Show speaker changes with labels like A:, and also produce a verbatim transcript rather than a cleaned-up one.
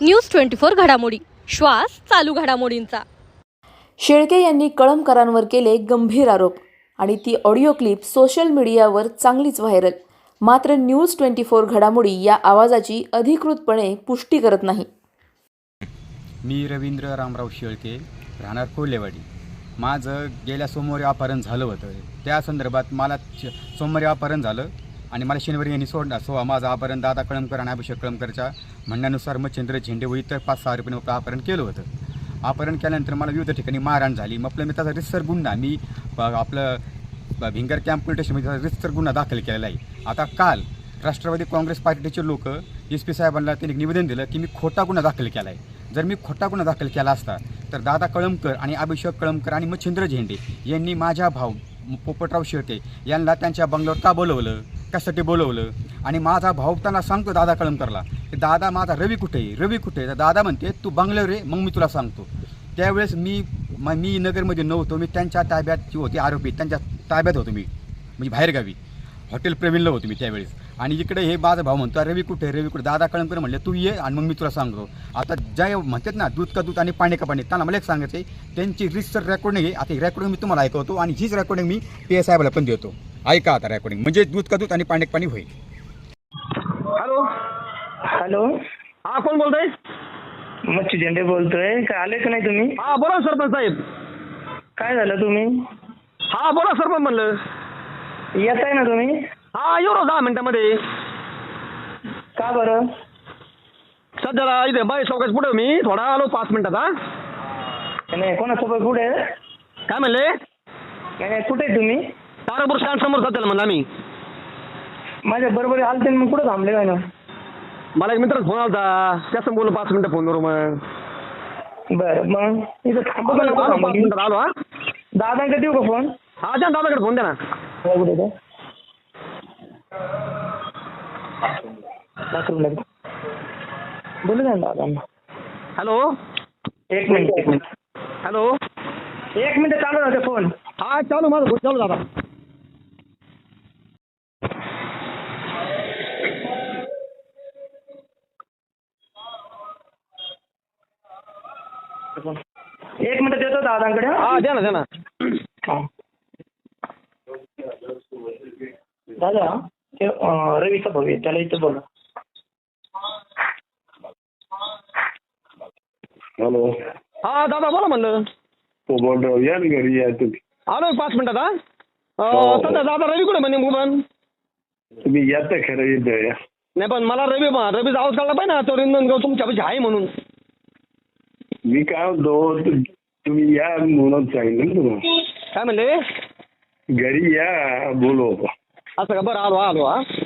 A: News twenty four घडामोडी, श्वास चालू घडामोडींचा.
B: शेळके यांनी कळमकरांवर केले गंभीर आरोप आणि ती ऑडिओ क्लिप सोशल मीडियावर चांगलीच व्हायरल. मात्र न्यूज ट्वेंटी फोर घडामोडी या आवाजाची अधिकृतपणे पुष्टी करत नाही.
C: मी रवींद्र रामराव शेळके, राहणार कोल्हेवाडी. माझं गेल्या सोमवारी अपहरण झालं होतं. त्या संदर्भात मला सोमवारी अपहरण झालं आणि मला शनिवारी यांनी सोडला. सो माझं अपहरण दादा कळमकर आणि अभिषेक कळमकरच्या म्हणण्यानुसार मच्छिंद्र झेंडे व इतर पाच सहा रुपये मग अपहरण केलं होतं. अपहरण केल्यानंतर मला विविध ठिकाणी मारहाण झाली. मग आपलं मी त्याचा रितसर गुन्हा मी आपलं भिंगर कॅम्प पोलीस स्टेशनमध्ये रितसर गुन्हा दाखल केलेला आहे. आता काल राष्ट्रवादी काँग्रेस पार्टीचे लोक एस पी साहेबांना त्यांनी निवेदन दिलं की मी खोटा गुन्हा दाखल केला आहे. जर मी खोटा गुन्हा दाखल केला असता तर दादा कळमकर आणि अभिषेक कळमकर आणि मच्छिंद्र झेंडे यांनी माझ्या भाऊ पोपटराव शेळके यांना त्यांच्या बंगल्यावर का बोलवलं, कशासाठी बोलवलं. आणि माझा भाऊ त्यांना सांगतो दादा कळमकरला की दादा माझा रवी कुठे आहे, रवी कुठे आहे. तर दादा म्हणते तू बंगल्यावर रे, मग मी तुला सांगतो. त्यावेळेस मी मी नगरमध्ये नव्हतो, मी त्यांच्या ताब्यात जी होती आरोपी त्यांच्या ताब्यात होतो. मी म्हणजे बाहेरगावी हॉटेल प्रवीणला होतो मी त्यावेळेस. आणि इकडे हे माझा भाऊ म्हणतो रवी कुठे रवी कुठे. दादा कळमकर म्हणले तू ये आणि मग मी तुला सांगतो. आता ज्या म्हणतात ना दूध का दूध आणि पाणी का पाणी, त्यांना मला एक सांगायचं आहे त्यांची रिसर रेकॉर्डिंग आहे. आता ही रेकॉर्डिंग मी तुम्हाला ऐकवतो आणि हीच रेकॉर्डिंग मी पी एस साहेबाला पण देतो. ऐका आता रेकॉर्डिंग, म्हणजे दूध का दूध आणि पाणी का पाणी होईल.
D: हॅलो
E: हॅलो,
D: हा कोण बोलतोय?
E: मच्छी झेंडे बोलतोय. काय आले का नाही तुम्ही?
D: हा बोला सरपंच साहेब.
E: काय झालं तुम्ही?
D: हा बोला सरपंच म्हणलं.
E: येत आहे ना तुम्ही?
D: हा येऊ ना दहा मिनिटामध्ये.
E: का बरं?
D: सध्याला इथे बाई चौकात पुढे मी थोडा आलो पाच मिनिटात. हा
E: नाही, कोणासोबत कुठे आहे?
D: काय म्हणले?
E: नाही नाही, कुठे आहे तुम्ही?
D: तारापूर स्टँड समोर सध्याला म्हणलं आम्ही.
E: माझ्या बरोबर आलते मग कुठं थांबले काय ना?
D: मला एक मित्र फोन आला त्याचं बोललो पाच मिनिटं फोनवर. मग
E: बरं, मग इथं थांबू का नको
D: आलो
E: थांबू?
D: पाच मिनिटात आलो. हा
E: दादांकडे देऊ का फोन?
D: हा द्या दादाकडे फोन द्या ना.
E: कुठे आहे? बाथरूमला आहे. बोलू द्या ना दादांना.
D: हॅलो
E: एक मिनिट एक मिनिट
D: हॅलो
E: एक मिनिट चालू राहते फोन.
D: हा चालू माझं फोन चालू दादा.
E: एक मिनिट देतो दादांकडे.
D: हा द्या ना द्या ना.
E: हा. दादा ते अं, रवीचा भाऊ आहे, त्याला इथं बोला.
F: हॅलो,
D: हा दादा बोला म्हणलं.
F: पोपटराव या ना घरी या तुम्ही.
D: आलो एक पाच मिनिटात. हा
F: हो.
D: सध्या दादा रवी कुठे म्हणे पण
F: तुम्ही या तर खरं येतं या.
D: नाही पण मला रवी रवीचा आवाज काढला पाहिजे ना तो रिंदनगाव तुमच्यापाशी आहे म्हणून.
F: मी काय म्हणतो तु- तुम्ही या म्हणून सांगितलं ना तुम्हाला.
D: काय म्हणले?
F: घरी या बोलू आपण.
D: असं का? बरं आलो आलो. हा